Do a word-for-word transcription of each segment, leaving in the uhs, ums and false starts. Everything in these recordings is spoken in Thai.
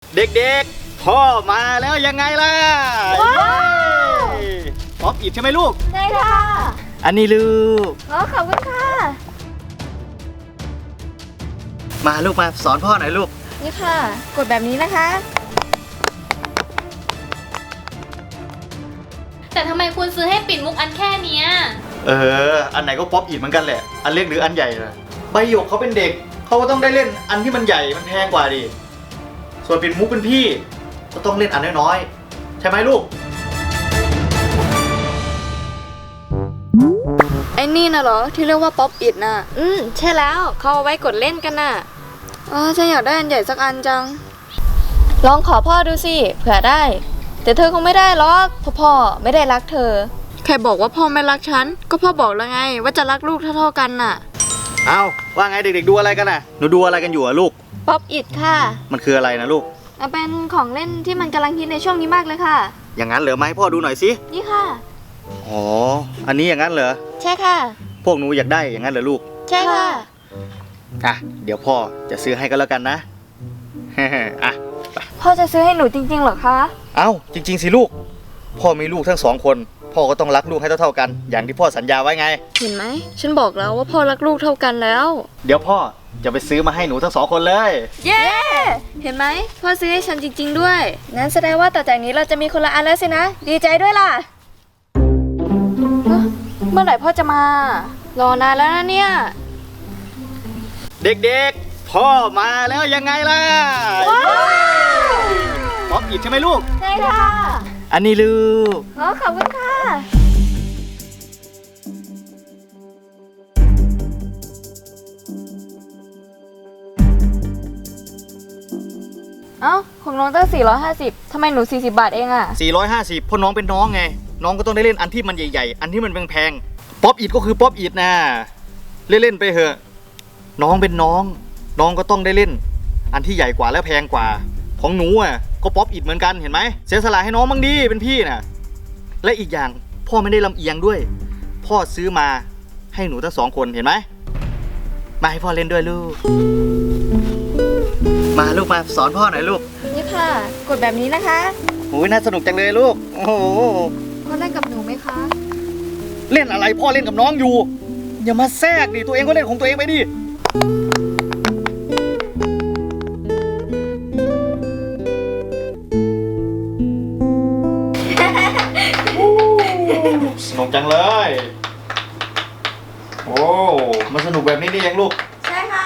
เด็กๆพ่อมาแล้วยังไงล่ะว้าวป๊อปอิดใช่ไหมลูกใช่ค่ะอันนี้ลูกอ๋อขอบคุณค่ะมาลูกมาสอนพ่อหน่อยลูกนี่ค่ะกดแบบนี้นะคะแต่ทำไมคุณซื้อให้ปิ่นมุกอันแค่นี้เอออันไหนก็ป๊อปอิดเหมือนกันแหละอันเล็กหรืออันใหญ่นะใบหยกเขาเป็นเด็กเขาก็ต้องได้เล่นอันที่มันใหญ่มันแพงกว่าดิส่วนปิ่นมุกเป็นพี่ก็ต้องเล่นอันน้อยๆใช่ไหมลูกไอ้นี่นะเหรอที่เรียกว่าป๊อปอิดน่ะอืมใช่แล้วเขาเอาไว้กดเล่นกันน่ะอ๋อฉันอยากได้อันใหญ่สักอันจังลองขอพ่อดูสิเผื่อได้แต่เธอคงไม่ได้หรอกเพราะพ่อไม่ได้รักเธอใครบอกว่าพ่อไม่รักฉันก็พ่อบอกแล้วไงว่าจะรักลูกเท่าๆกันน่ะเอาว่าไงเด็กๆดูอะไรกันน่ะหนูดูอะไรกันอยู่อะลูกป๊อปอิดค่ะมันคืออะไรนะลูกมันเป็นของเล่นที่มันกำลังฮิตในช่วงนี้มากเลยค่ะอย่างนั้นเหรอไหมพ่อดูหน่อยสินี่ค่ะอ๋ออันนี้อย่างนั้นเหรอใช่ค่ะพวกหนูอยากได้อย่างนั้นเหรอลูกใช่ค่ะอ่ะเดี๋ยวพ่อจะซื้อให้ก็แล้วกันนะอ่ะพ่อจะซื้อให้หนูจริงๆเหรอคะเอ้าจริงๆสิลูกพ่อมีลูกทั้งสองคนพ่อก็ต้องรักลูกให้เท่าๆกันอย่างที่พ่อสัญญาไว้ไงเห็นไหมฉันบอกแล้วว่าพ่อรักลูกเท่ากันแล้วเดี๋ยวพ่อจะไปซื้อมาให้หนูทั้งสองคนเลยเย้ เห็นไหมพ่อซื้อให้ฉันจริงๆด้วยงั้นแสดงว่าต่อจากนี้เราจะมีคนละอันแล้วสินะดีใจด้วยล่ะเมื่อไหร่พ่อจะมารอนานแล้วนะเนี่ยเด็กๆพ่อมาแล้วยังไงล่ะป๊อปอิดใช่ไหมลูกใช่ค่ะอันนี้ลูกอ๋อขอบคุณค่ะเอ้าของน้องตั้งสี่ร้อยห้าสิบทำไมหนูสี่สิบบาทเองอะสี่ร้อยห้าสิบเพราะน้องเป็นน้องไงน้องก็ต้องได้เล่นอันที่มันใหญ่ๆอันที่มันแพงๆป๊อปอิดก็คือป๊อปอิดนะเล่นๆไปเถอะน้องเป็นน้องน้องก็ต้องได้เล่นอันที่ใหญ่กว่าและแพงกว่าของหนูอ่ะก็ป๊อปอิดเหมือนกันเห็นไหมเสียสละให้น้องบ้างดีเป็นพี่น่ะและอีกอย่างพ่อไม่ได้ลำเอียงด้วยพ่อซื้อมาให้หนูทั้งสองคนเห็นไหมมาให้พ่อเล่นด้วยลูกมาลูกมาสอนพ่อหน่อยลูกนี่ค่ะกดแบบนี้นะคะโอ้ยน่าสนุกจังเลยลูกโอ้โหพ่อเล่นกับหนูไหมคะเล่นอะไรพ่อเล่นกับน้องอยู่อย่ามาแทรกดิตัวเองก็เล่นของตัวเองไปดิสนุกจังเลยโอ้มันสนุกแบบนี้นี่ยังลูกใช่ค่ะ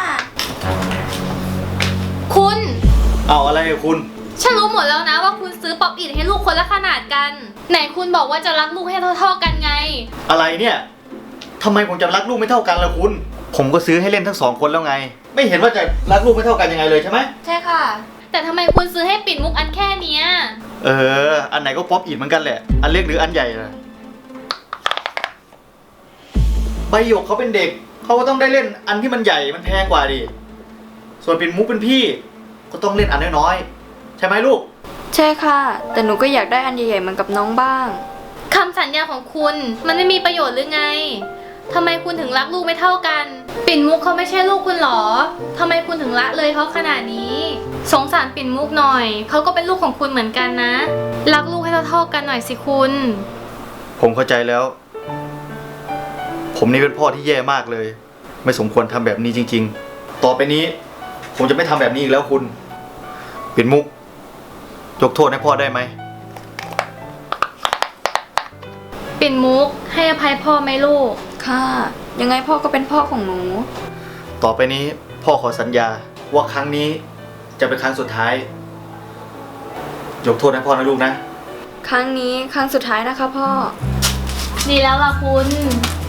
คุณเอาอะไรคุณฉันรู้หมดแล้วนะว่าคุณซื้อป๊อปอิดให้ลูกคนละขนาดกันไหนคุณบอกว่าจะรักลูกให้เท่าๆกันไงอะไรเนี่ยทำไมผมจะรักลูกไม่เท่ากันล่ะคุณผมก็ซื้อให้เล่นทั้งสองคนแล้วไงไม่เห็นว่าจะรักลูกไม่เท่ากันยังไงเลยใช่ไหมใช่ค่ะแต่ทำไมคุณซื้อให้ปิ่นมุกอันแค่นี้เอออันไหนก็ป๊อปอิดเหมือนกันแหละอันเล็กหรืออันใหญ่นะใบหยกเขาเป็นเด็กเขาก็ต้องได้เล่นอันที่มันใหญ่มันแพงกว่าดิส่วนปิ่นมุกเป็นพี่ก็ต้องเล่นอันน้อยๆใช่ไหมลูกใช่ค่ะแต่หนูก็อยากได้อันใหญ่ๆเหมือนกับน้องบ้างคำสัญญาของคุณมันไม่มีประโยชน์หรือไงทำไมคุณถึงรักลูกไม่เท่ากันปิ่นมุกเขาไม่ใช่ลูกคุณหรอทำไมคุณถึงละเลยเขาขนาดนี้สงสารปิ่นมุกหน่อยเขาก็เป็นลูกของคุณเหมือนกันนะรักลูกให้เท่าๆกันหน่อยสิคุณผมเข้าใจแล้วผมนี่เป็นพ่อที่แย่มากเลยไม่สมควรทำแบบนี้จริงๆต่อไปนี้ผมจะไม่ทำแบบนี้อีกแล้วคุณปิ่นมุกยกโทษให้พ่อได้ไหมปิ่นมุกให้อภัยพ่อไหมลูกค่ะยังไงพ่อก็เป็นพ่อของหนูต่อไปนี้พ่อขอสัญญาว่าครั้งนี้จะเป็นครั้งสุดท้ายยกโทษให้พ่อนะลูกนะครั้งนี้ครั้งสุดท้ายนะคะพ่อดีแล้วล่ะคุณ